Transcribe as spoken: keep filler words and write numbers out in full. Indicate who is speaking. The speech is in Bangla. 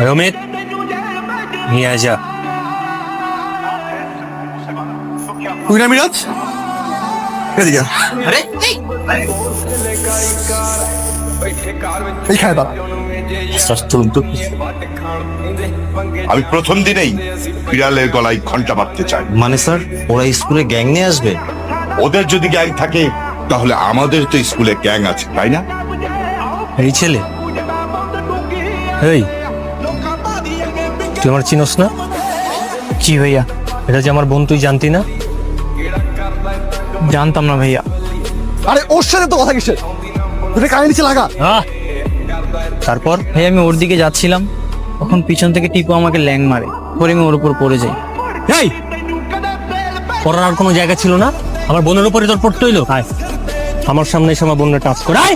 Speaker 1: অমিত নিয়ে আয় যা।
Speaker 2: তুই না মিরাজ, এদিকে আয়।
Speaker 1: আরে
Speaker 2: এইখানে দাঁড়া।
Speaker 3: আমি প্রথম দিনেই বিড়ালের গলায় ঘন্টা বাঁধতে চাই।
Speaker 4: মানে স্যার, ওরা স্কুলে গ্যাং নিয়ে আসবে?
Speaker 3: ওদের যদি গ্যাং থাকে তাহলে আমাদের তো স্কুলে গ্যাং আছে, তাই না?
Speaker 1: এই ছেলে, এই তুই আমার চিনস না?
Speaker 5: জি ভাইয়া,
Speaker 1: এটা যে আমার বোন, তুই জানতি না?
Speaker 5: জানতাম না ভাইয়া।
Speaker 2: আরে ওর সাথে তো কথা কিসের? তুই কানে নিচে লাগা।
Speaker 1: আহ! তারপর
Speaker 5: ভাই আমি ওর দিকে যাচ্ছিলাম, তখন পিছন থেকে টিপু আমাকে ল্যাং মারে, পরে আমি ওর উপর পড়ে যাই।
Speaker 1: এই পড়ার আর কোনো জায়গা ছিল না? আমার বোনের উপরে তোর পড়তে হইলো? আয় আমার সামনে এসে আমার বোনের টাচ করে আয়।